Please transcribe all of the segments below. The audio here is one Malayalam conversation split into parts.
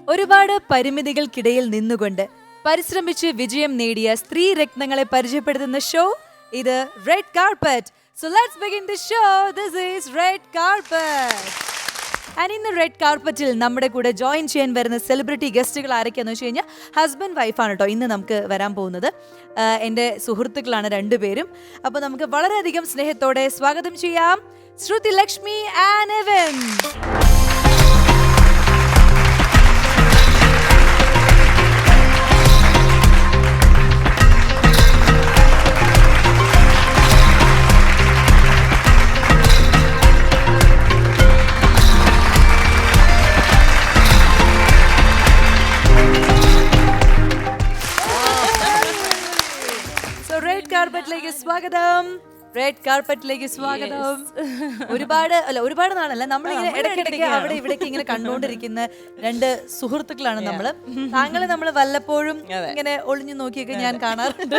ഒരുപാട് പരിമിതികൾക്കിടയിൽ നിന്നുകൊണ്ട് പരിശ്രമിച്ച് വിജയം നേടിയ സ്ത്രീ രത്നങ്ങളെ പരിചയപ്പെടുത്തുന്ന ഷോ ഇത് red carpet. So let's begin the show. This is Red Carpet. And ഇന്ന് റെഡ് കാർപ്പറ്റിൽ നമ്മുടെ കൂടെ ജോയിൻ ചെയ്യാൻ വരുന്ന സെലിബ്രിറ്റി ഗസ്റ്റുകൾ ആരൊക്കെയാന്ന് വെച്ച് കഴിഞ്ഞാൽ ഹസ്ബൻഡ് വൈഫാണ് കേട്ടോ ഇന്ന് നമുക്ക് വരാൻ പോകുന്നത്. എൻ്റെ സുഹൃത്തുക്കളാണ് രണ്ടുപേരും. അപ്പോൾ നമുക്ക് വളരെയധികം സ്നേഹത്തോടെ സ്വാഗതം ചെയ്യാം ശ്രുതി ലക്ഷ്മി ആൻഡ് എവൻ. കാർപ്പറ്റിലേക്ക് സ്വാഗതം. റെഡ് കാർപ്പറ്റിലേക്ക് സ്വാഗതം. ഒരുപാട് നാളല്ല നമ്മളിങ്ങനെ ഇടയ്ക്കിടയ്ക്ക് അവിടെ ഇവിടേക്ക് ഇങ്ങനെ കണ്ടുകൊണ്ടിരിക്കുന്ന രണ്ട് സുഹൃത്തുക്കളാണ് നമ്മള്. താങ്കളെ നമ്മള് വല്ലപ്പോഴും ഇങ്ങനെ ഒളിഞ്ഞു നോക്കിയൊക്കെ ഞാൻ കാണാറുണ്ട്.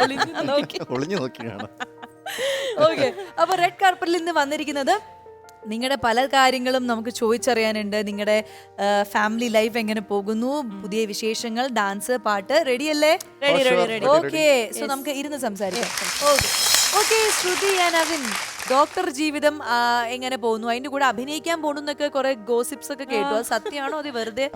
ഓക്കെ, അപ്പൊ റെഡ് കാർപ്പറ്റിൽ ഇന്ന് വന്നിരിക്കുന്നത് നിങ്ങളുടെ പല കാര്യങ്ങളും നമുക്ക് ചോദിച്ചറിയാനുണ്ട്. നിങ്ങളുടെ ഫാമിലി ലൈഫ് എങ്ങനെ പോകുന്നു, പുതിയ വിശേഷങ്ങൾ, ഡാൻസ്, പാട്ട്, റെഡി അല്ലേ? ഓക്കെ, സോ നമുക്ക് ഇരുന്ന് സംസാരിക്കാം. Okay, Shruti and Avin, doctor ജീവിതം എങ്ങനെ പോകുന്നു? അതിന്റെ കൂടെ അഭിനയിക്കാൻ പോകുന്നൊക്കെ കുറെ ഗോസിപ്സ് ഒക്കെ കേട്ടു. അത് സത്യമാണോ? അത് വെറുതെ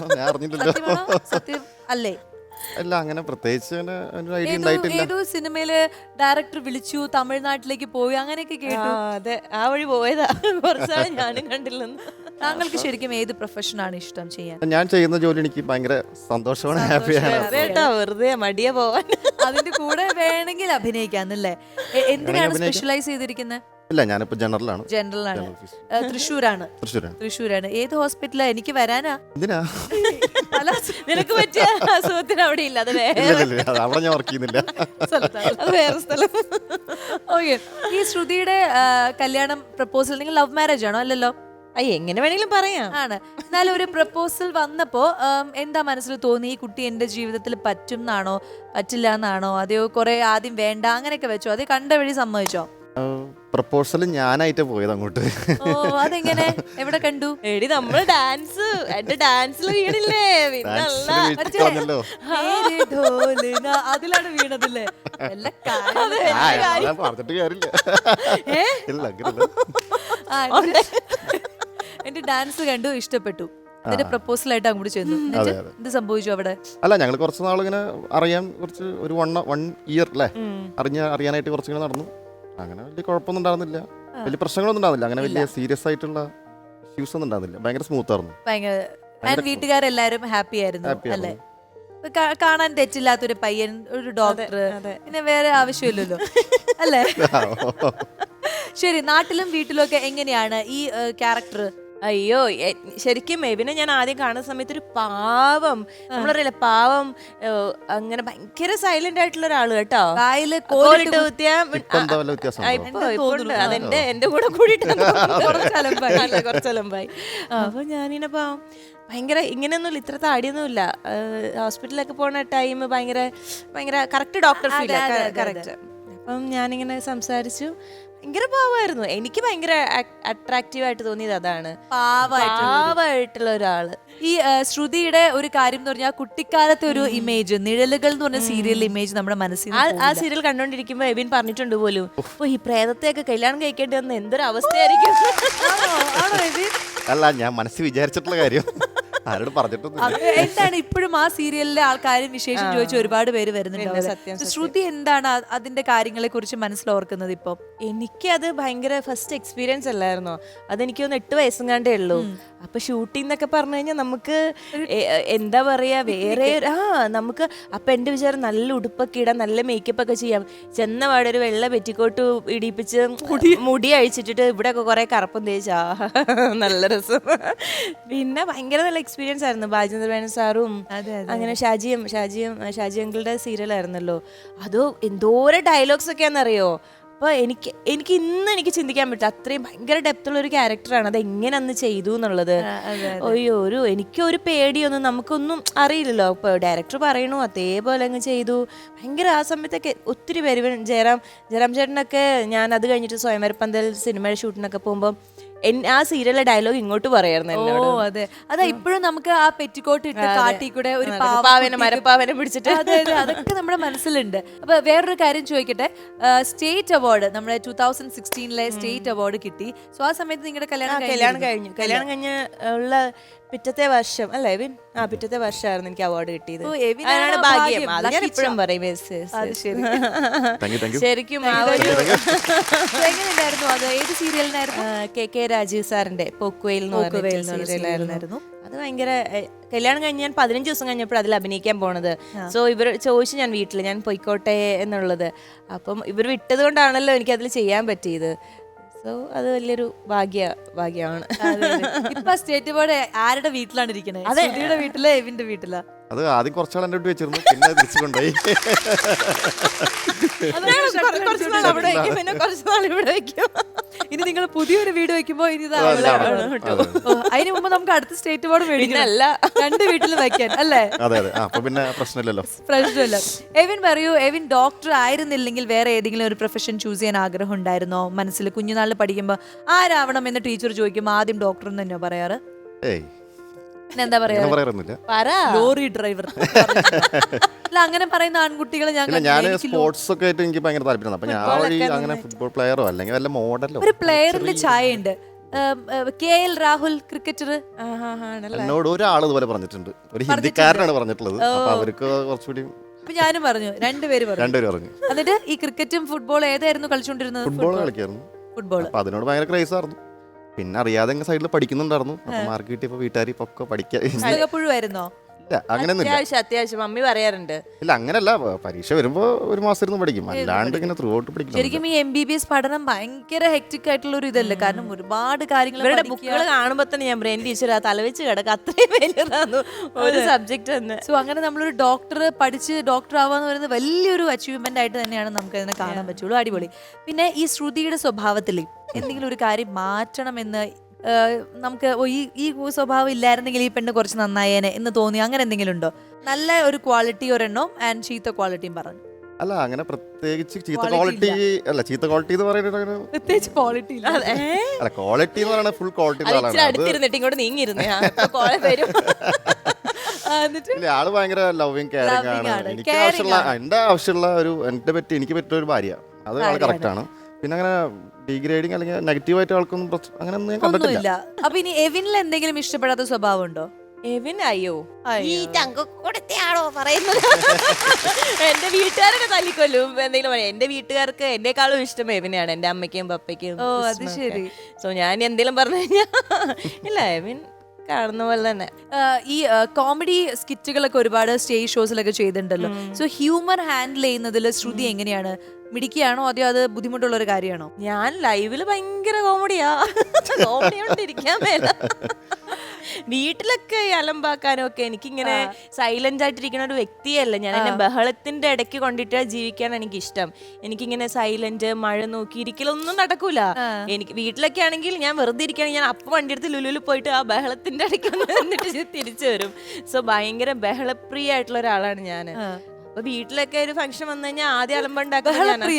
സത്യം അല്ലേ? അല്ല, അങ്ങനെ പ്രത്യേകിച്ച് ഏതോ സിനിമയില് ഡയറക്ടർ വിളിച്ചു, തമിഴ്നാട്ടിലേക്ക് പോയി, അങ്ങനെയൊക്കെ കേട്ടു. അതെ, ആ വഴി പോയതാ. കുറച്ചാണ് ഞാനും കണ്ടില്ലെന്ന്. താങ്കൾക്ക് ശരിക്കും ഏത് പ്രൊഫഷനാണ് ഇഷ്ടം ചെയ്യാൻ? ഞാൻ ചെയ്യുന്ന ജോലി എനിക്ക് ഭയങ്കര സന്തോഷമാണ്, ഹാപ്പിയാണ്. വെറുതെ മടിയ പോവാൻ. അതിന്റെ കൂടെ വേണമെങ്കിൽ അഭിനയിക്കാന്നല്ലേ? എന്തിനാണ് സ്പെഷ്യലൈസ് ചെയ്തിരിക്കുന്നത്? ഇല്ല, ഞാനിപ്പോ ജനറലാണ്. തൃശ്ശൂരാണ്. ഏത് ഹോസ്പിറ്റലാ? എനിക്ക് വരാനാ. എന്തിനാ? നിനക്ക് പറ്റിയ അസുഖത്തിന് അവിടെ ഇല്ല, അത് അവിടെ ഞാൻ വർക്ക് ചെയ്യുന്നില്ല, അത് വേറെ സ്ഥലം. ഓക്കെ, ഈ ശ്രുതിയുടെ കല്യാണം പ്രപ്പോസൽ നിങ്ങൾ ലവ് മാരേജ് ആണോ? അല്ലല്ലോ. എങ്ങനെ വേണമെങ്കിലും പറയാം. ആണ്. എന്നാലും ഒരു പ്രപ്പോസൽ വന്നപ്പോ എന്താ മനസ്സിൽ തോന്നി? ഈ കുട്ടി എന്റെ ജീവിതത്തിൽ പറ്റും എന്നാണോ, പറ്റില്ല എന്നാണോ, അതെയോ കുറെ ആദ്യം വേണ്ട അങ്ങനെയൊക്കെ വെച്ചോ? അത് കണ്ട വഴി സമ്മതിച്ചോ? പ്രപ്പോസൽ ഞാനായിട്ട് പോയത് അങ്ങോട്ട്. അതെങ്ങനെ? എവിടെ കണ്ടു? എടി നമ്മള് ഡാൻസ്, എന്റെ ഡാൻസിൽ വീണില്ലേ? അതിലാണ് വീണതല്ലേ? പറഞ്ഞിട്ട് കാര്യമില്ല. എന്റെ ഡാൻസ് കണ്ടു, ഇഷ്ടപ്പെട്ടു, അതിന്റെ പ്രപ്പോസൽ ആയിട്ട് അങ്ങോട്ട് ചെന്നു. എന്ത് സംഭവിച്ചു അവിടെ? അല്ല, ഞങ്ങൾ കുറച്ച് നാളിങ്ങനെ അറിയാൻ, കുറച്ച് ഒരു 1 ഇയർ അല്ലേ, അറിയാനായിട്ട് കുറച്ചിങ്ങനെ നടന്നു. അങ്ങനെ വലിയ കുഴപ്പമൊന്നും ഉണ്ടായിരുന്നില്ല, വലിയ പ്രശ്നങ്ങളൊന്നും ഉണ്ടായിരുന്നില്ല, അങ്ങനെ വലിയ സീരിയസ് ആയിട്ടുള്ള ഇഷ്യൂസ് ഒന്നും ഉണ്ടായിരുന്നില്ല. ഭയങ്കര സ്മൂത്ത് ആയിരുന്നു. വീട്ടുകാരെല്ലാരും ഹാപ്പി ആയിരുന്നു അല്ലേ? കാണാൻ തെറ്റില്ലാത്തൊരു പയ്യൻ, ഒരു ഡോക്ടർ, പിന്നെ വേറെ ആവശ്യമില്ലല്ലോ അല്ലേ? ശരി, നാട്ടിലും വീട്ടിലും ഒക്കെ എങ്ങനെയാണ് ഈ ക്യാരക്ടർ? അയ്യോ, ശരിക്കും മെബിനെ ഞാൻ ആദ്യം കാണുന്ന സമയത്ത് ഒരു പാവം, നമ്മളറിയില്ല, പാവം, അങ്ങനെ ഭയങ്കര സൈലന്റ് ആയിട്ടുള്ള ഒരാള് കേട്ടോ. അതെന്റെ എന്റെ കൂടെ കൂടിയിട്ട് കുറച്ചലമ്പായി. അപ്പൊ ഞാനിങ്ങനെ പാവം, ഭയങ്കര ഇങ്ങനെയൊന്നുമില്ല, ഇത്ര താടിയൊന്നുമില്ല. ഹോസ്പിറ്റലിലൊക്കെ പോണ ടൈം ഭയങ്കര കറക്റ്റ് ഡോക്ടർ ഫീൽ, കറക്റ്റ്. അപ്പം ഞാനിങ്ങനെ സംസാരിച്ചു, ഭയങ്കര പാവമായിരുന്നു. എനിക്ക് ഭയങ്കര അട്രാക്റ്റീവ് ആയിട്ട് തോന്നിയത് അതാണ്, പാവമായിട്ടുള്ള ഒരാള്. ഈ ശ്രുതിയുടെ ഒരു കാര്യം എന്ന് പറഞ്ഞാൽ കുട്ടിക്കാലത്തെ ഒരു ഇമേജ്, നിഴലുകൾ എന്ന് പറഞ്ഞ സീരിയൽ ഇമേജ് നമ്മുടെ മനസ്സിൽ, ആ സീരിയൽ കണ്ടോണ്ടിരിക്കുമ്പോ എബിൻ പറഞ്ഞിട്ടുണ്ട് പോലും, ഈ പ്രേതത്തെയൊക്കെ കല്യാണം കഴിക്കേണ്ടി വന്ന എന്തൊരു അവസ്ഥയായിരിക്കും. അല്ല, ഞാൻ മനസ്സിൽ വിചാരിച്ചിട്ടുള്ള കാര്യം ആരോട് പറഞ്ഞിട്ടൊന്നും. എന്താണ് ഇപ്പോഴും ആ സീരിയലിലെ ആൾക്കാരും വിശേഷം ചോദിച്ച ഒരുപാട് പേര് വരുന്നുണ്ട്. ശ്രുതി എന്താണ് അതിന്റെ കാര്യങ്ങളെ കുറിച്ച് മനസ്സിലോർക്കുന്നത്? ഇപ്പൊ എനിക്കത് ഭയങ്കര ഫസ്റ്റ് എക്സ്പീരിയൻസ് അല്ലായിരുന്നോ? അതെനിക്ക് ഒന്ന് 8 വയസ്സും കണ്ടേ ഉള്ളൂ. അപ്പൊ ഷൂട്ടിംഗ് എന്നൊക്കെ പറഞ്ഞു കഴിഞ്ഞാൽ നമുക്ക് എന്താ പറയാ, വേറെ നമുക്ക് അപ്പൊ എന്റെ വിചാരം നല്ല ഉടുപ്പൊക്കെ ഇടാം, നല്ല മേക്കപ്പ് ഒക്കെ ചെയ്യാം. ചെന്ന പാടെ ഒരു വെള്ള പെറ്റിക്കോട്ട് ഇടിപ്പിച്ച് മുടി അഴിച്ചിട്ടിട്ട് ഇവിടെ ഒക്കെ കുറെ കറുപ്പം തേച്ചാ നല്ല രസം. പിന്നെ ഭയങ്കര നല്ല എക്സ്പീരിയൻസ് ആയിരുന്നു. ബാജേന്ദ്ര മേനോൻ സാറും അങ്ങനെ ഷാജി അങ്കിളുടെ സീരിയൽ ആയിരുന്നല്ലോ. അതോ എന്തോരം ഡയലോഗ്സ് ഒക്കെയാണെന്നറിയോ? അപ്പോൾ എനിക്ക് ഇന്ന് എനിക്ക് ചിന്തിക്കാൻ പറ്റും, അത്രയും ഭയങ്കര ഡെപ്തുള്ള ഒരു ക്യാരക്ടറാണ്. അത് എങ്ങനെ അന്ന് ചെയ്തു എന്നുള്ളത്. എനിക്കൊരു പേടിയൊന്നും, നമുക്കൊന്നും അറിയില്ലല്ലോ. ഇപ്പോൾ ഡയറക്ടർ പറയണു അതേപോലെ അങ്ങ് ചെയ്തു. ഭയങ്കര ആ സമയത്തൊക്കെ ഒത്തിരി പേര്, ജയറാം ചേട്ടനൊക്കെ, ഞാൻ അത് കഴിഞ്ഞിട്ട് സ്വയംവരപ്പന്തൽ സിനിമയുടെ ഷൂട്ടിനൊക്കെ പോകുമ്പോൾ ആ സീരിയലിലെ ഡയലോഗ് ഇങ്ങോട്ട് പറയായിരുന്നു ഓ എന്നോട്. അതെ അതാ ഇപ്പോഴും നമുക്ക് ആ പെറ്റിക്കോട്ട് ഇട്ട് കാട്ടി കൂടെ ഒരു പാവനെ മരപ്പാവനെ പിടിച്ചിട്ട് അതെ അതെ അതൊക്കെ നമ്മുടെ മനസ്സിലുണ്ട്. അപ്പൊ വേറൊരു കാര്യം ചോദിക്കട്ടെ, സ്റ്റേറ്റ് അവാർഡ് നമ്മുടെ 2016 സ്റ്റേറ്റ് അവാർഡ് കിട്ടി. സോ ആ സമയത്ത് നിങ്ങളുടെ കല്യാണം കഴിഞ്ഞ് ഉള്ള പിറ്റത്തെ വർഷം അല്ലേ എവിൻ? പിറ്റത്തെ വർഷമായിരുന്നു എനിക്ക് അവാർഡ് കിട്ടിയത്. അതിനാണ് ഭാഗ്യം. അത് ഞാൻ ഇപ്പോഴും പറയും. ശരിക്കും ആ ഒരു എങ്ങനെയുണ്ടായിരുന്നു അത്? ഏത് സീരിയലിനായിരുന്നു? കെ രാജീവ് സാറിന്റെ പോക്കുവെയിൽ എന്ന് പറഞ്ഞ സീരിയലായിരുന്നു. അത് ഭയങ്കര കല്യാണം കഴിഞ്ഞ് ഞാൻ 15 ദിവസം കഴിഞ്ഞപ്പോൾ അതിൽ അഭിനയിക്കാൻ പോണത്. സോ ഇവർ ചോദിച്ചു ഞാൻ വീട്ടിൽ ഞാൻ പൊയ്ക്കോട്ടെ എന്നുള്ളത്. അപ്പം ഇവർ വിട്ടത് കൊണ്ടാണല്ലോ എനിക്ക് അതിൽ ചെയ്യാൻ പറ്റിയത്. സോ അത് വലിയൊരു ഭാഗ്യമാണ്. ഇപ്പൊ സ്റ്റേറ്റ് അവാർഡ് ആരുടെ വീട്ടിലാണ് ഇരിക്കുന്നത്? ശ്രുതിയുടെ വീട്ടിലോ എവിന്റെ വീട്ടിലാ? അത് ആദ്യം കുറച്ചാൾ എൻ്റെ വീട്ടിൽ വെച്ചിരുന്നു, പിന്നെ തിരിച്ചു കൊണ്ടുപോയി. ഇനി നിങ്ങൾ പുതിയൊരു വീട് വെക്കുമ്പോ ഇനി അതിന് മുമ്പ് നമുക്ക് അടുത്ത സ്റ്റേറ്റ് അവാർഡ് മേടിക്കണല്ല, 2 വീട്ടിൽ വെക്കാൻ അല്ലേ? അതെ അതെ. അപ്പൊ പിന്നെ പ്രശ്നമില്ലല്ലോ. പ്രശ്നമില്ല. എവിൻ പറയൂ, എവിൻ ഡോക്ടർ ആയിരുന്നില്ലെങ്കിൽ വേറെ ഏതെങ്കിലും ഒരു പ്രൊഫഷൻ ചൂസ് ചെയ്യാൻ ആഗ്രഹം ഉണ്ടായിരുന്നോ മനസ്സിൽ? കുഞ്ഞുനാളിൽ പഠിക്കുമ്പോ ആരാവണം എന്ന് ടീച്ചർ ചോദിക്കുമ്പോ ആദ്യം ഡോക്ടർ എന്ന് തന്നെയോ പറയാറ്? ഏയ് എന്താ പറയാ, ലോറി ഡ്രൈവർ അല്ല അങ്ങനെ പറയുന്ന ആൺകുട്ടികൾ ഞാൻ സ്പോർട്സ് ഒക്കെ ആയിട്ട് എനിക്ക് ഭയങ്കര താല്പര്യം. അപ്പൊ ഞാൻ വഴി അങ്ങനെ ഫുട്ബോൾ പ്ലെയറോ അല്ലെങ്കിൽ വല്ല മോഡലോ. ഒരു പ്ലെയറിന്റെ ചായ ഉണ്ട്, KL രാഹുൽ ക്രിക്കറ്റർ. എന്നോട് ഒരാൾ ഇതുപോലെ പറഞ്ഞിട്ടുണ്ട്, ഒരു ഹിന്ദിക്കാരനാണ് പറഞ്ഞിട്ടുള്ളത്. അപ്പൊ അവർക്ക് കുറച്ചുകൂടി ഞാനും പറഞ്ഞു, രണ്ടുപേര് പറഞ്ഞു. എന്നിട്ട് ഈ ക്രിക്കറ്റും ഫുട്ബോളും ഏതായിരുന്നു കളിച്ചോണ്ടിരുന്നത്? ഫുട്ബോൾ കളിക്കായിരുന്നു. ഫുട്ബോൾ. അപ്പൊ അതിനോട് ഭയങ്കര ക്രൈസ് ആയിരുന്നു. പിന്നെ അറിയാതെ സൈഡിൽ പഠിക്കുന്നുണ്ടായിരുന്നു. അപ്പൊ മാർക്ക് കിട്ടിയപ്പോ വീട്ടുകാർ ഇപ്പൊ പഠിക്കായിരുന്നോ? അത്യാവശ്യം മമ്മി പറയാറുണ്ട്. ഇല്ല അങ്ങനല്ല, പരീക്ഷ വരുമ്പോ ഒരു മാസം ഇരുന്ന് പഠിക്കും, അല്ലാണ്ട് ഇങ്ങനെ ത്രൂ ഔട്ട് പഠിക്കും. ശരിക്കും ഈ MBBS പഠനം ഭയങ്കര ഹെക്ടിക് ആയിട്ടുള്ള ഒരു ഇതല്ലേ, കാരണം ഒരുപാട് കാര്യങ്ങൾ ബുക്കുകൾ കാണുമ്പോ തന്നെ ഞാൻ ബ്രെയിൻ ടീച്ചർ തലവെച്ച് കിടക്കുക, അത്രയും വലിയതാണ് ഒരു സബ്ജക്ട് തന്നെ. സോ അങ്ങനെ നമ്മളൊരു ഡോക്ടർ പഠിച്ച് ഡോക്ടർ ആവാന്ന് പറയുന്നത് വലിയൊരു അച്ചീവ്മെന്റ് ആയിട്ട് തന്നെയാണ് നമുക്ക് അതിനെ കാണാൻ പറ്റുള്ളൂ. അടിപൊളി. പിന്നെ ഈ ശ്രുതിയുടെ സ്വഭാവത്തിൽ എന്തെങ്കിലും ഒരു കാര്യം മാറ്റണമെന്ന് നമുക്ക് ഈ സ്വഭാവം ഇല്ലായിരുന്നെങ്കിൽ ഈ പെണ്ണ് കുറച്ച് നന്നായേനെ എന്ന് തോന്നി, അങ്ങനെ എന്തെങ്കിലും ഉണ്ടോ? നല്ല ഒരു ക്വാളിറ്റി ഒരെണ്ണം ആൻഡ് ചീത്ത ക്വാളിറ്റിയും പറഞ്ഞു. അല്ല അങ്ങനെ പ്രത്യേകിച്ച് ചീത്ത ക്വാളിറ്റി അല്ല, ചീത്ത ക്വാളിറ്റി എന്ന് പറയുന്നത് പ്രത്യേകിച്ച് ക്വാളിറ്റി അല്ല, ക്വാളിറ്റി എന്ന് പറയുന്നത് ഫുൾ ക്വാളിറ്റി. ഇങ്ങോട്ട് നീങ്ങിയിരുന്നു ആള് ഭയങ്കര ലവിങ് കെയറിംഗ് ആണ്. എന്റെ ആവശ്യമുള്ള ഒരു എനിക്ക് പറ്റിയ ഒരു ഭാര്യ, അത് ആള് കറക്റ്റ് ആണ്. പിന്നെ അങ്ങനെ ഡീഗ്രേഡിങ് അല്ലെങ്കിൽ നെഗറ്റീവ് ആയിട്ട് ആൾക്കൊന്നും അങ്ങനെ ഒന്നും ഞാൻ കണ്ടിട്ടില്ല. അപ്പൊ ഇനി എവിനിൽ എന്തെങ്കിലും ഇഷ്ടപ്പെടാത്ത സ്വഭാവം ഉണ്ടോ? എവിൻ അയ്യോ ഈ ചങ്കക്കൊടുത്തയാണോ പറയുന്നത്? എന്റെ വീട്ടുകാരൊക്കെ തല്ലിക്കൊല്ലും എന്തെങ്കിലും പറയാം. എന്റെ വീട്ടുകാർക്ക് എന്നെക്കാളും ഇഷ്ടം എവിനെയാണ്, എന്റെ അമ്മയ്ക്കും പപ്പയ്ക്കും. ഓ അത് ശരി. സോ ഞാൻ എന്തെങ്കിലും പറഞ്ഞു കഴിഞ്ഞാൽ ഇല്ല, എവിൻ കാണുന്ന പോലെ തന്നെ. ഈ കോമഡി സ്കിറ്റുകളൊക്കെ ഒരുപാട് സ്റ്റേജ് ഷോസിലൊക്കെ ചെയ്തിട്ടുണ്ടല്ലോ. സോ ഹ്യൂമർ ഹാൻഡിൽ ചെയ്യുന്നതിൽ ശ്രുതി എങ്ങനെയാണ്? മിടിക്കുകയാണോ അതോ അത് ബുദ്ധിമുട്ടുള്ള ഒരു കാര്യമാണോ? ഞാൻ ലൈവില് ഭയങ്കര കോമഡിയാ, കോമഡി കൊണ്ടിരിക്കാൻ മേല. വീട്ടിലൊക്കെ അലമ്പാക്കാനും ഒക്കെ എനിക്കിങ്ങനെ സൈലന്റ് ആയിട്ടിരിക്കുന്ന ഒരു വ്യക്തിയല്ല ഞാൻ. എന്നെ ബഹളത്തിന്റെ ഇടയ്ക്ക് കൊണ്ടിട്ട് ജീവിക്കാൻ എനിക്ക് ഇഷ്ടം. എനിക്കിങ്ങനെ സൈലന്റ് മഴ നോക്കി ഇരിക്കലൊന്നും നടക്കൂല. എനിക്ക് വീട്ടിലൊക്കെ ആണെങ്കിൽ ഞാൻ വെറുതെ ഇരിക്കുകയാണെങ്കിൽ ഞാൻ അപ്പം വണ്ടി എടുത്ത് ലുലുവിൽ പോയിട്ട് ആ ബഹളത്തിന്റെ ഇടയ്ക്ക് വന്നിട്ട് തിരിച്ചു വരും. സോ ഭയങ്കര ബഹളപ്രിയ ആയിട്ടുള്ള ഒരാളാണ് ഞാൻ. അപ്പൊ വീട്ടിലൊക്കെ ഒരു ഫംഗ്ഷൻ വന്നു കഴിഞ്ഞാൽ ആദ്യം അലമ്പുണ്ടാക്കും.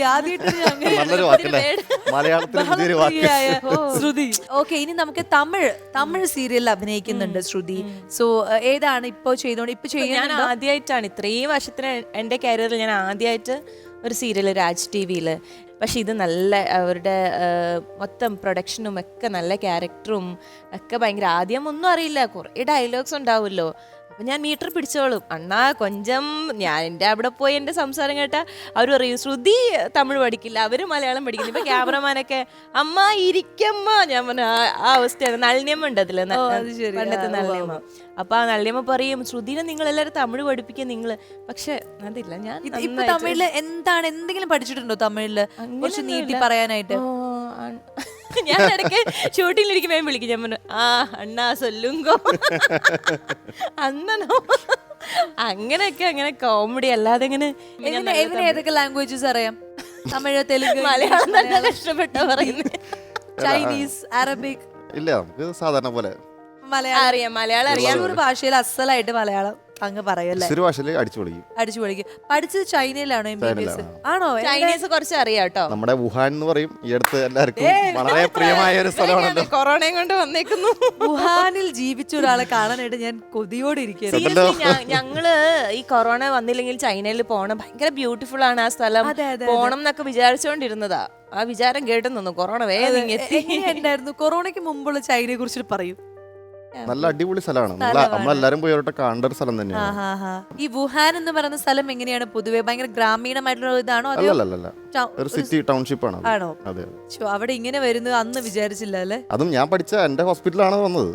ഓക്കെ, ഇനി നമുക്ക് തമിഴ് സീരിയലിൽ അഭിനയിക്കുന്നുണ്ട് ശ്രുതി. സോ ഏതാണ് ഇപ്പൊ ചെയ്തോണ്ട് ഞാൻ ആദ്യമായിട്ടാണ് ഇത്രയും വർഷത്തിന് എന്റെ കരിയറിൽ ഞാൻ ആദ്യമായിട്ട് ഒരു സീരിയൽ രാജ് TV-യിൽ. പക്ഷെ ഇത് നല്ല അവരുടെ മൊത്തം പ്രൊഡക്ഷനും ഒക്കെ നല്ല ക്യാരക്ടറും ഒക്കെ ഭയങ്കര. ആദ്യം ഒന്നും അറിയില്ല, കുറേ ഡയലോഗ്സ് ഉണ്ടാവുമല്ലോ. അപ്പം ഞാൻ മീറ്റർ പിടിച്ചോളും. അണ്ണാ കൊഞ്ചം ഞാൻ എൻ്റെ അവിടെ പോയി എൻ്റെ സംസാരം കേട്ടാൽ അവർ പറയും ശ്രുതി തമിഴ് പഠിക്കില്ല, അവർ മലയാളം പഠിക്കില്ല. ഇപ്പം ക്യാമറമാനൊക്കെ അമ്മ ഇരിക്കമ്മ, ഞാൻ പറഞ്ഞ ആ അവസ്ഥയാണ്. നളിനിയമ്മ ഉണ്ട് അതിൽ, പണ്ടത്തെ നളിനിയമ്മ. അപ്പൊ ആ നളിനിയമ്മ പറയും ശ്രുതിനെ നിങ്ങൾ എല്ലാവരും തമിഴ് പഠിപ്പിക്കുക നിങ്ങൾ. പക്ഷെ അതില്ല, ഞാൻ തമിഴില് എന്തെങ്കിലും പഠിച്ചിട്ടുണ്ടോ? തമിഴില് കുറച്ച് നീട്ടി പറയാനായിട്ട് ഞാൻ ഇടയ്ക്ക് ഷൂട്ടിങ്ങിലിരിക്കുമ്പോ വിളിക്കും. ഞാൻ പറഞ്ഞു അണ്ണാ സൊല്ലുങ്കോ അന്നോ അങ്ങനെയൊക്കെ. അങ്ങനെ കോമഡി അല്ലാതെ ഇങ്ങനെ. ഏതൊക്കെ ലാംഗ്വേജസ് അറിയാം? തമിഴ്, തെലുങ്ക്, മലയാളം നല്ല ഇഷ്ടപ്പെട്ടോ പറയുന്നത്? Chinese, Arabic? ഇല്ല, നമുക്ക് സാധാരണ പോലെ മലയാളം അറിയാം. മലയാളം അറിയാം. ഭാഷയിൽ അസലായിട്ട് മലയാളം അങ്ങ് പറയും അല്ലേ? തൃശ്ശൂർ ഭാഷയിൽ അടിച്ചു പൊളിക്കും. അടിച്ചു പൊളിക്കും. പഠിച്ചത് ചൈനയിലാണോ MBBS? ചൈനയിലാണ്. ആണോ? ചൈനീസ് കുറച്ച് അറിയാം കേട്ടോ. നമ്മുടെ വുഹാൻ എന്ന് പറയും, ഈ അടുത്ത് എല്ലാവർക്കും വളരെ പ്രിയമായ ഒരു സ്ഥലമാണല്ലോ. കൊറോണയും കൊണ്ട് വന്നേക്കുന്നു. വുഹാനിൽ ജീവിച്ച ഒരാളെ കാണാനായിട്ട് ഞാൻ കൊതിയോടെ ഇരിക്കുകയാണ്. Seriously, ഞങ്ങള് ഈ കൊറോണ വന്നില്ലെങ്കിൽ ചൈനയിൽ പോണം, ഭയങ്കര ബ്യൂട്ടിഫുൾ ആണ് ആ സ്ഥലം, പോണം എന്നൊക്കെ വിചാരിച്ചോണ്ടിരുന്നതാ. ആ വിചാരം കേട്ടു നിന്നു, കൊറോണ വേഗം എത്തി. എങ്ങനെയുണ്ടായിരുന്നു കൊറോണയ്ക്ക് മുമ്പുള്ള ചൈനയെ കുറിച്ചിട്ട് പറയൂ. നല്ല അടിപൊളി സ്ഥലമാണ്. നമ്മളെല്ലാരും പോയി അവരുടെ കാണേണ്ട ഒരു സ്ഥലം തന്നെയാണ്. ഈ വുഹാൻ എന്ന് പറയുന്ന സ്ഥലം എങ്ങനെയാണ് പൊതുവെ? ഭയങ്കര ഗ്രാമീണമായിട്ടുള്ള ഇതാണോ? അല്ലല്ല, ഒരു സിറ്റി ടൗൺഷിപ്പ് ആണ്. ആണോ? അതെ. അവിടെ ഇങ്ങനെ വരുന്നത് അന്ന് വിചാരിച്ചില്ല അല്ലേ? അതും ഞാൻ പഠിച്ച എന്റെ ഹോസ്പിറ്റലാണ് വന്നത്.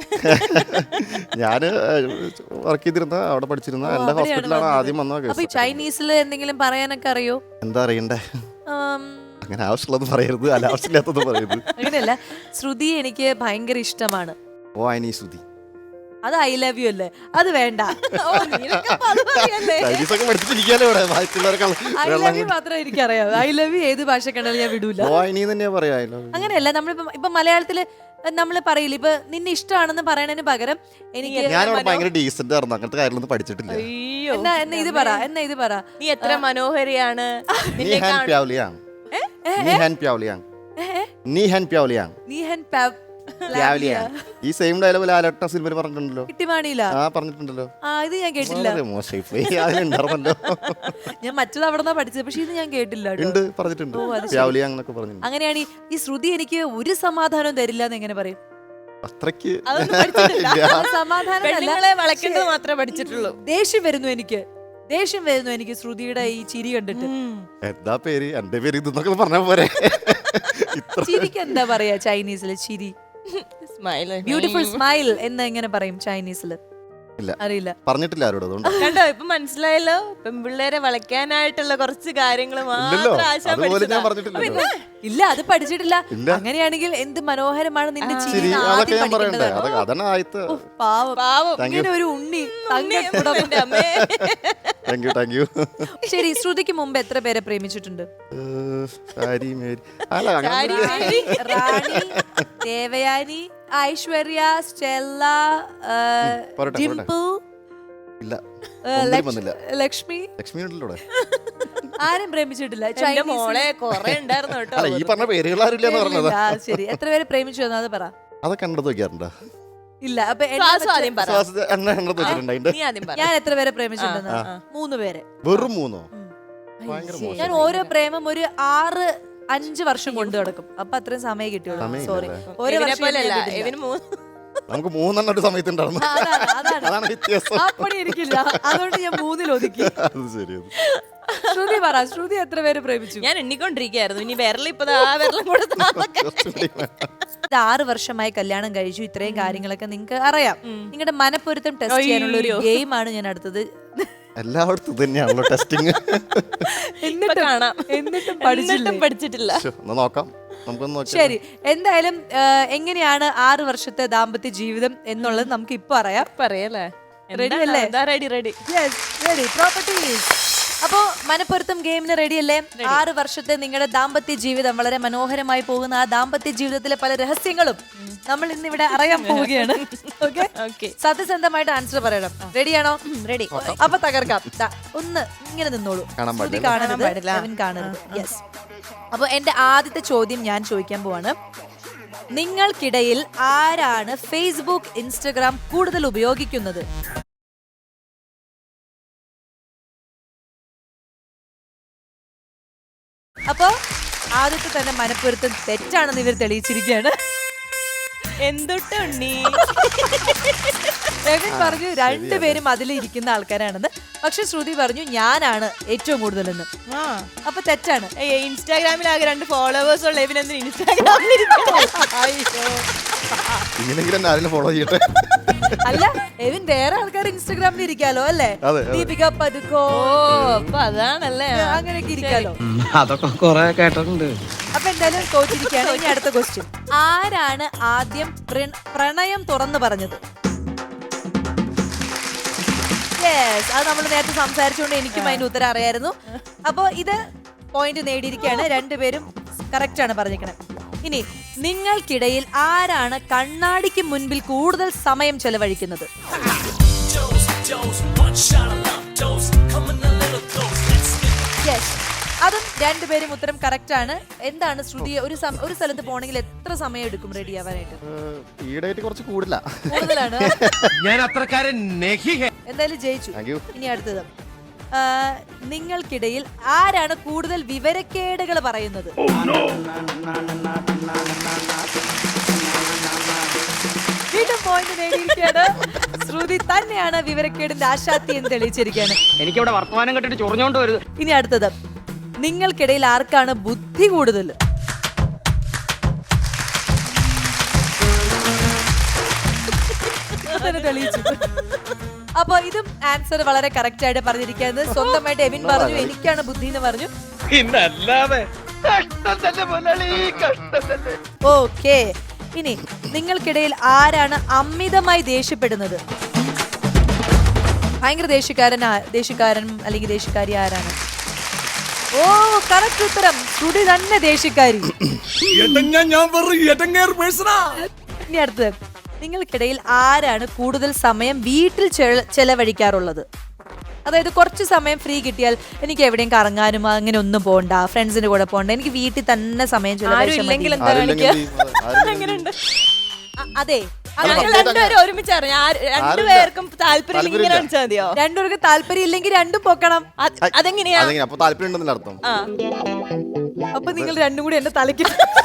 ഞാന് വർക്ക് ചെയ്തിരുന്ന അവിടെ പഠിച്ചിരുന്ന എന്റെ ഹോസ്പിറ്റലാണ് ആദ്യം വന്നത്. അപ്പൊ ചൈനീസിൽ എന്തെങ്കിലും പറയാനൊക്കെ അറിയോ? എന്താ അറിയണ്ടേ? അങ്ങനെ ആവശ്യമുള്ളത് പറയരുത്, അനാവശ്യമില്ലാത്തത് പറയരുത്. അങ്ങനെയല്ല, ശ്രുതി എനിക്ക് ഭയങ്കര ഇഷ്ടമാണ്. ഓ അനി ശ്രുതി, അത് ഐ ലവ് യു അല്ലേ? അത് വേണ്ട. ചൈനീസ് ഒക്കെ പഠിച്ചിരിക്കാലോ ഇവിടെ. ഐ ലവ് യു മാത്രമേ എനിക്കറിയാം. ഐ ലവ് യു ഏത് ഭാഷ കണ്ടാലും ഞാൻ വിടൂല. ഓ അനി തന്നെയാ പറയാ. അങ്ങനെയല്ല, നമ്മളിപ്പോ മലയാളത്തില് നമ്മൾ പറയില്ല, ഇപ്പൊ നിന്നെ ഇഷ്ടമാണെന്ന് പറയണതിന് പകരം എനിക്ക് ഞാനിവിടെ ഭയങ്കര ഡീസന്റ് ആയിരുന്നു, അങ്ങനത്തെ കാര്യങ്ങളൊന്നും പഠിച്ചിട്ടില്ല. എന്നാ ഇത് പറ, നീ എത്ര മനോഹരിയാണ്. നീ ഹാൻ പ്യാവ്ലിയാങ്, നീ ഹാൻ പ്യാവ്ലിയാങ്, നീ ഹാൻ പ്യാവ്ലിയാങ്, നീ ഹൻ പ്യാവ്ലിയാങ്. ഈ സെയിം ഡയലോഗ് ലാലേട്ട സിനിമയിൽ പറഞ്ഞിട്ടുണ്ടല്ലോ. കിട്ടിമാണിയില്ല? ആ പറഞ്ഞിട്ടുണ്ടല്ലോ. ഇത് ഞാൻ കേട്ടില്ല. മോശമായി പോയി. അതിലുണ്ടായിരുന്നല്ലോ. ഞാൻ മറ്റത് അവിടെ നിന്നാ പഠിച്ചത്, പക്ഷെ ഇത് ഞാൻ കേട്ടില്ല. ഉണ്ട്, പറഞ്ഞിട്ടുണ്ട്. പ്യാവ്ലിയാങ് എന്നൊക്കെ പറഞ്ഞിട്ടുണ്ട്. അങ്ങനെയാണ് ഈ ശ്രുതി എനിക്ക് ഒരു സമാധാനവും തരില്ല എന്ന് എങ്ങനെ പറയും? അത്രയ്ക്ക് സമാധാനം വളയ്ക്കേണ്ടത് മാത്രമേ പഠിച്ചിട്ടുള്ളൂ. ദേഷ്യം വരുന്നു എനിക്ക് ശ്രുതിയുടെ ഈ ചിരി കണ്ടിട്ട്. എന്താ പേര്? എന്റെ പേര് ഇതെന്നൊക്കെ പറഞ്ഞ പോരെ. ചിരിക്ക് എന്താ പറയാ ചൈനീസില്? ചിരി, സ്മൈൽ, ബ്യൂട്ടിഫുൾ സ്മൈൽ എന്ന് എങ്ങനെ പറയും ചൈനീസില്? ഇല്ല, അറിയില്ല. പറഞ്ഞിട്ടില്ല ആരോട്. അതുകൊണ്ട് കണ്ടോ, ഇപ്പൊ മനസ്സിലായല്ലോ. പെൺപിള്ളേരെ വളയ്ക്കാനായിട്ടുള്ള കുറച്ച് കാര്യങ്ങൾ ഇല്ല, അത് പഠിച്ചിട്ടില്ല. അങ്ങനെയാണെങ്കിൽ എന്ത് മനോഹരമാണ് നിന്റെ ചിരി. പാവം, ഇങ്ങനെ ഒരു ഉണ്ണി. ശരി, ശ്രുതിക്ക് മുമ്പ് എത്ര പേരെ പ്രേമിച്ചിട്ടുണ്ട്? റാണി, ദേവയാനി, ഐശ്വര്യ, സ്റ്റെല്ല, ഡിംപിൾ, ലക്ഷ്മി. ആരും പ്രേമിച്ചിട്ടില്ല. മോളെ കൊറേ ഉണ്ടായിരുന്നു കേട്ടോ. ഈ പറഞ്ഞ പേരുകൾ ആരില്ലെന്ന് പറഞ്ഞത്. ശരി, എത്ര പേര് പ്രേമിച്ചു അത് പറ. അതൊക്കെ കണ്ടത് നോക്കിയാറുണ്ടോ? ഇല്ല. അപ്പൊ ഞാൻ എത്ര പേരെ പ്രേമിച്ചിട്ടുണ്ടെന്ന്? 3 പേരെ. വെറും 3? ഞാൻ ഓരോ പ്രേമം ഒരു 6-5 വർഷം കൊണ്ട് നടക്കും. അപ്പൊ അത്രയും സമയം കിട്ടിയുള്ളൂ. സോറി, ഓരോ വർഷം നമുക്ക് 3 ഒരു സമയത്ത് ഉണ്ടായിരുന്നു. അതാണ് വ്യത്യാസം. അപ്പടി എനിക്കില്ല, അതുകൊണ്ട് ഞാൻ 3-ൽ ഒതുക്കി. ശ്രുതി പറ, ശ്രുതി എത്ര പേര് പ്രേമിച്ചു? ഞാൻ എണ്ണിക്കൊണ്ടിരിക്കുകയായിരുന്നു. ഇനി വിരലിപ്പോ ആ വിരലും കൂടെ 6 വർഷമായി കല്യാണം കഴിച്ചു. ഇത്രയും കാര്യങ്ങളൊക്കെ നിങ്ങൾക്ക് അറിയാം. നിങ്ങളുടെ മനപ്പൊരുത്തം ടെസ്റ്റ് ചെയ്യാനുള്ള ഒരു ഗെയിമാണ് ഞാൻ അടുത്തത്. എല്ലായിടത്തും തന്നെയാണല്ലോ ടെസ്റ്റിംഗ്. എന്നിട്ടും പഠിച്ചിട്ടില്ല. നോക്കാം. ശരി, എന്തായാലും എങ്ങനെയാണ് 6 വർഷത്തെ ദാമ്പത്യ ജീവിതം എന്നുള്ളത് നമുക്ക് ഇപ്പൊ പറയല്ലേ? റെഡി അല്ലേ? റെഡി. പ്രോപ്പർട്ടീസ്. അപ്പോ മനപ്പൊരുത്തം ഗെയിമിന് റെഡി അല്ലേ? 6 വർഷത്തെ നിങ്ങളുടെ ദാമ്പത്യ ജീവിതം, വളരെ മനോഹരമായി പോകുന്ന ആ ദാമ്പത്യ ജീവിതത്തിലെ പല രഹസ്യങ്ങളും നമ്മൾ ഇന്ന് ഇവിടെ അറിയാൻ പോവുകയാണ്. സത്യസന്ധമായിട്ട് ആൻസർ പറയണം. റെഡിയാണോ? റെഡി. അപ്പൊ തകർക്കാം. ഒന്ന് ഇങ്ങനെ നിന്നോളൂ, കാണരുത്. യെസ്. അപ്പൊ എന്റെ ആദ്യത്തെ ചോദ്യം ഞാൻ ചോദിക്കാൻ പോവാണ്. നിങ്ങൾക്കിടയിൽ ആരാണ് ഫേസ്ബുക്ക്, ഇൻസ്റ്റഗ്രാം കൂടുതൽ ഉപയോഗിക്കുന്നത്? അപ്പൊ ആദ്യത്തെ തന്നെ മനപ്പൊരുത്തം തെറ്റാണെന്ന് ഇവർ തെളിയിച്ചിരിക്കുകയാണ്. എന്തുണ്ണി രവീൻ പറഞ്ഞു 2 പേരും അതിലിരിക്കുന്ന ആൾക്കാരാണെന്ന്. പക്ഷെ ശ്രുതി പറഞ്ഞു ഞാനാണ് ഏറ്റവും കൂടുതലെന്ന്. അപ്പൊ തെറ്റാണ്. ഇൻസ്റ്റാഗ്രാമിൽ ആകെ 2 ഫോളോവേഴ്സ് ഉള്ള എവിനെന്ത് ഇൻസ്റ്റാഗ്രാമിൽ ഫോളോ ചെയ്യട്ടെ. അല്ല, എവിൻ വേറെ ആൾക്കാർ ഇൻസ്റ്റാഗ്രാമിൽ ഇരിക്കാലോ അല്ലേ? ദീപിക പദുക്കോ, അതാണല്ലേ, അങ്ങനെയൊക്കെ ഇരിക്കാലോ. അതൊക്കെ കൊറേ കേട്ടിട്ടുണ്ട്. അപ്പൊ എന്തായാലും തോറ്റിരിക്കുകയാണ്. ഇനി അടുത്ത ക്വസ്റ്റ്യൻ. ആരാണ് ആദ്യം പ്രണയം തുറന്നു പറഞ്ഞത്? അത് നമ്മൾ നേരത്തെ സംസാരിച്ചുകൊണ്ട് എനിക്കും അതിന്റെ ഉത്തരം അറിയായിരുന്നു. അപ്പൊ ഇത് പോയിന്റ് നേടിയിരിക്കുകയാണ്. 2 പേരും കറക്റ്റ് ആണ് പറഞ്ഞിരിക്കണേ. ഇനി നിങ്ങൾക്കിടയിൽ ആരാണ് കണ്ണാടിക്ക് മുൻപിൽ കൂടുതൽ സമയം ചെലവഴിക്കുന്നത്? രണ്ടുപേരും ഉത്തരം കറക്റ്റ് ആണ്. എന്താണ് ശ്രുതി ഒരു സ്ഥലത്ത് പോകണമെങ്കിൽ എത്ര സമയം എടുക്കും റെഡി ആവാനായിട്ട്? ഈടായിട്ട് കുറച്ച് കൂടുതല. കൂടുതലാണ്. ഞാൻ അത്രക്കാരൻ എന്തായാലും ജയിച്ചു. Thank you. ഇനി അടുത്തത്, നിങ്ങൾക്കിടയിൽ ആരാണ് കൂടുതൽ വിവരക്കേടുകൾ പറയുന്നത്? വീണ്ടും പോയിന്റ് നേടിയിരിക്കുകയാണ്. ശ്രുതി തന്നെയാണ് വിവരക്കേടിന്റെ ആശാത്തി എന്ന് തെളിയിച്ചിരിക്കുകയാണ്. എനിക്കിവിടെ വർത്തമാനം കെട്ടിട്ട് ചൊറിഞ്ഞോണ്ട് വരുത്. ഇനി അടുത്തത്, നിങ്ങൾക്കിടയിൽ ആർക്കാണ് ബുദ്ധി കൂടുതൽ? തെളിയിച്ചു. അപ്പൊ ഇതും ആൻസർ വളരെ കറക്റ്റ് ആയിട്ട് പറഞ്ഞിരിക്കുന്നത്. സ്വന്തമായിട്ട് എവിൻ പറഞ്ഞു എനിക്കാണ് ബുദ്ധി എന്ന് പറഞ്ഞു. ഓക്കെ, ഇനി നിങ്ങൾക്കിടയിൽ ആരാണ് അമിതമായി ദേഷ്യപ്പെടുന്നത്? ഭയങ്കര ദേഷ്യക്കാരൻ അല്ലെങ്കിൽ ദേഷ്യക്കാരി ആരാണ്? ഓ, കറക്റ്റ് ഉത്തരം. ശ്രുതി തന്നെ ദേഷ്യക്കാരി. ഇനി അടുത്തത്, നിങ്ങൾക്കിടയിൽ ആരാണ് കൂടുതൽ സമയം വീട്ടിൽ ചെലവഴിക്കാറുള്ളത്? അതായത് കുറച്ച് സമയം ഫ്രീ കിട്ടിയാൽ എനിക്ക് എവിടെയും കറങ്ങാനും അങ്ങനെ ഒന്നും പോകണ്ട, ഫ്രണ്ട്സിന്റെ കൂടെ പോകണ്ട, എനിക്ക് വീട്ടിൽ തന്നെ സമയം ചെലവഴിച്ചില്ലെങ്കിൽ എന്താ കാണിക്കുക? അങ്ങനെയുണ്ട്. അതെ, രണ്ടുപേരും ഒരുമിച്ചാണ്. രണ്ടുപേർക്കും താല്പര്യം ഇങ്ങനെ കാണിച്ചാൽ മതിയോ? രണ്ടുപേർക്ക് താല്പര്യം ഇല്ലെങ്കിൽ രണ്ടും പൊക്കണം. അതെങ്ങനെയാ? അപ്പൊ താല്പര്യം ഉണ്ടെന്നല്ല അർത്ഥം. അപ്പൊ നിങ്ങൾ രണ്ടും കൂടി എന്നെ തലയ്ക്ക്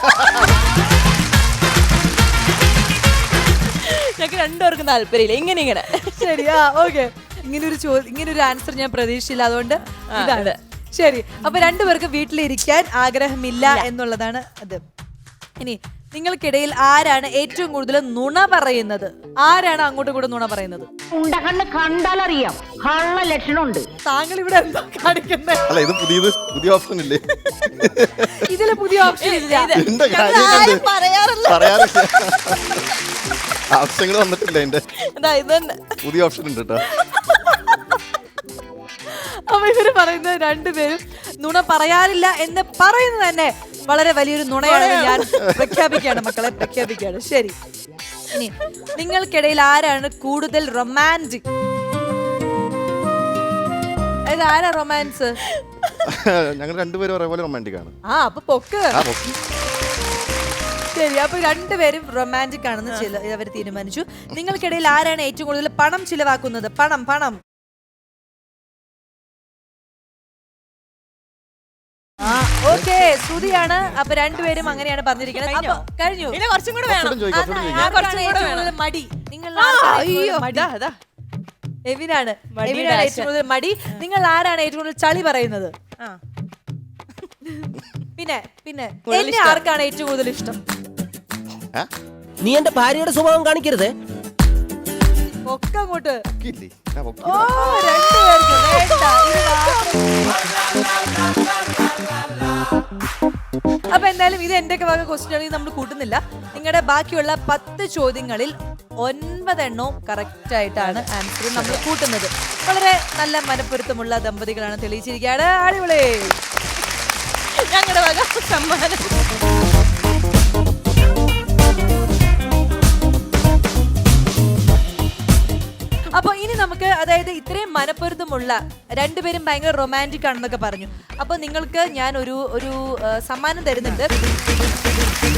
ഞങ്ങൾക്ക് രണ്ടുപേർക്കും താല്പര്യമില്ല. ഇങ്ങനെ ശരിയാ. ഓക്കെ, ഇങ്ങനൊരു ആൻസർ ഞാൻ പ്രതീക്ഷിച്ചില്ല, അതുകൊണ്ട് ഇതാണ് ശരി. അപ്പൊ രണ്ടുപേർക്ക് വീട്ടിലിരിക്കാൻ ആഗ്രഹമില്ല എന്നുള്ളതാണ് അത്. ഇനി നിങ്ങൾക്കിടയിൽ ആരാണ് ഏറ്റവും കൂടുതൽ നുണ പറയുന്നത്? ആരാണ് അങ്ങോട്ടും കൂടെ നുണ പറയുന്നത്? കണ്ടാലറിയാം, കള്ള ലക്ഷണമുണ്ട്. താങ്കൾ ഇവിടെ എന്താ കാണിക്കുന്നത്? അല്ല, ഇത് പുതിയ ഓപ്ഷൻ ഇല്ലേ? ഇതില് പുതിയ ഓപ്ഷൻ ഇല്ല. എന്റെ കാര്യം പറയാറില്ല. ആവശ്യങ്ങൾ വന്നിട്ടില്ല. എന്റെ പുതിയ ഓപ്ഷൻ ഉണ്ട് കേട്ടോ. അപ്പൊ ഇവര് പറയുന്നത് രണ്ടുപേരും നുണ പറയാറില്ല എന്ന് പറയുന്നത് തന്നെ വളരെ വലിയൊരു നുണയാണെന്ന് ഞാൻ പ്രഖ്യാപിക്കുകയാണ് മക്കളെ, പ്രഖ്യാപിക്കുകയാണ്. ശരി, ഇനി നിങ്ങൾക്കിടയിൽ ആരാണ് കൂടുതൽ റൊമാൻറ്റിക്? അതായത് ആരാ റൊമാൻസ്? ഞങ്ങൾ രണ്ടുപേരും ഒരേപോലെ റൊമാൻറ്റിക് ആണ്. അപ്പൊ പൊക്ക്. ശരി, അപ്പൊ രണ്ടുപേരും റൊമാൻറ്റിക് ആണെന്ന് അവർ തീരുമാനിച്ചു. നിങ്ങൾക്കിടയിൽ ആരാണ് ഏറ്റവും കൂടുതൽ പണം ചിലവാക്കുന്നത്? പണം. ഓക്കെ, ശ്രുതിയാണ്. അപ്പൊ രണ്ടുപേരും അങ്ങനെയാണ് പറഞ്ഞിരിക്കുന്നത്. കഴിഞ്ഞു. കുറച്ചും കൂടെ വേണം. മടി. നിങ്ങൾ എവിനാണ് ഏറ്റവും കൂടുതൽ മടി. നിങ്ങൾ ആരാണ് ഏറ്റവും കൂടുതൽ ചളി പറയുന്നത്? പിന്നെ എന്നെ ആർക്കാണ് ഏറ്റവും കൂടുതൽ ഇഷ്ടം? നീ എന്റെ ഭാര്യയുടെ സ്വഭാവം കാണിക്കരുത്. ഒക്കെ അങ്ങോട്ട്. ഇല്ലേ? ഓ, രണ്ടുപേർക്കും വേണ്ട. അപ്പൊ എന്തായാലും ഇത് എന്റെ വക ക്വസ്റ്റ്യൻ ആണെങ്കിൽ നമ്മൾ കൂട്ടുന്നില്ല. നിങ്ങളുടെ ബാക്കിയുള്ള 10 ചോദ്യങ്ങളിൽ 9 എണ്ണവും കറക്റ്റ് ആയിട്ടാണ് ആൻസർ നമ്മൾ കൂട്ടുന്നത്. വളരെ നല്ല മനപ്പൊരുത്തമുള്ള ദമ്പതികളാണ് തെളിയിച്ചിരിക്കുകയാണ്. അടിപൊളി. ഞങ്ങളുടെ വക സമ്മാനം. അപ്പൊ ഇനി നമുക്ക്, അതായത് ഇത്രയും മനപ്പൊരുത്തമുള്ള രണ്ടുപേരും ഭയങ്കര റൊമാൻറ്റിക് ആണെന്നൊക്കെ പറഞ്ഞു. അപ്പൊ നിങ്ങൾക്ക് ഞാൻ ഒരു സമ്മാനം തരുന്നുണ്ട്.